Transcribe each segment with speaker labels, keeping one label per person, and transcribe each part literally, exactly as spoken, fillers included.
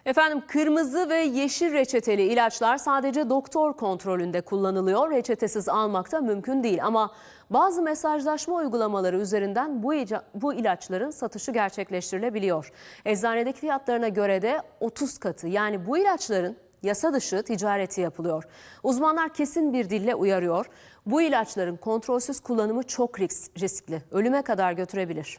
Speaker 1: Efendim, kırmızı ve yeşil reçeteli ilaçlar sadece doktor kontrolünde kullanılıyor. Reçetesiz almak da mümkün değil ama bazı mesajlaşma uygulamaları üzerinden bu, bu ilaçların satışı gerçekleştirilebiliyor. Eczanedeki fiyatlarına göre de otuz katı, yani bu ilaçların yasa dışı ticareti yapılıyor. Uzmanlar kesin bir dille uyarıyor. Bu ilaçların kontrolsüz kullanımı çok riskli, ölüme kadar götürebilir.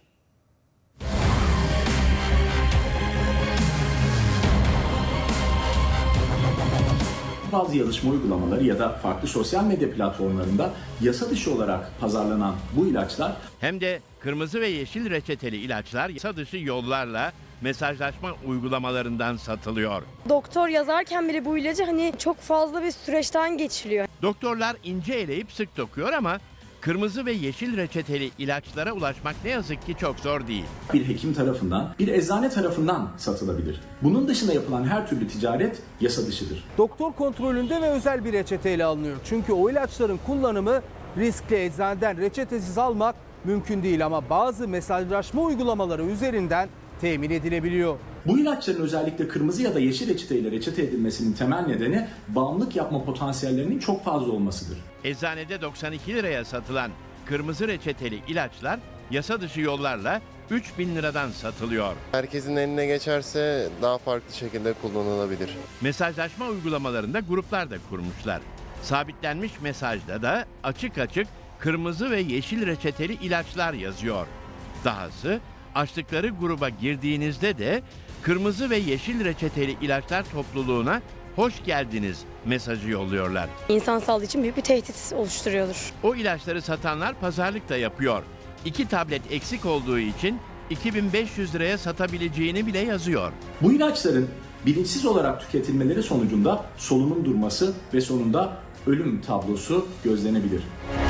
Speaker 2: Bazı yazışma uygulamaları ya da farklı sosyal medya platformlarında yasa dışı olarak pazarlanan bu ilaçlar
Speaker 3: hem de kırmızı ve yeşil reçeteli ilaçlar yasa dışı yollarla mesajlaşma uygulamalarından satılıyor.
Speaker 4: Doktor yazarken bile bu ilacı hani çok fazla bir süreçten geçiliyor.
Speaker 3: Doktorlar ince eleyip sık dokuyor ama kırmızı ve yeşil reçeteli ilaçlara ulaşmak ne yazık ki çok zor değil.
Speaker 2: Bir hekim tarafından, bir eczane tarafından satılabilir. Bunun dışında yapılan her türlü ticaret yasa dışıdır.
Speaker 5: Doktor kontrolünde ve özel bir reçeteyle alınıyor. Çünkü o ilaçların kullanımı riskli, eczaneden reçetesiz almak mümkün değil ama bazı mesajlaşma uygulamaları üzerinden temin edilebiliyor.
Speaker 2: Bu ilaçların özellikle kırmızı ya da yeşil reçeteyle reçete edilmesinin temel nedeni bağımlılık yapma potansiyellerinin çok fazla olmasıdır.
Speaker 3: Eczanede doksan iki liraya satılan kırmızı reçeteli ilaçlar yasa dışı yollarla üç bin liradan satılıyor.
Speaker 6: Herkesin eline geçerse daha farklı şekilde kullanılabilir.
Speaker 3: Mesajlaşma uygulamalarında gruplar da kurmuşlar. Sabitlenmiş mesajda da açık açık kırmızı ve yeşil reçeteli ilaçlar yazıyor. Dahası açtıkları gruba girdiğinizde de kırmızı ve yeşil reçeteli ilaçlar topluluğuna hoş geldiniz mesajı yolluyorlar.
Speaker 4: İnsan sağlığı için büyük bir tehdit oluşturuyordur.
Speaker 3: O ilaçları satanlar pazarlık da yapıyor. İki tablet eksik olduğu için iki bin beş yüz liraya satabileceğini bile yazıyor.
Speaker 2: Bu ilaçların bilinçsiz olarak tüketilmeleri sonucunda solunum durması ve sonunda ölüm tablosu gözlenebilir.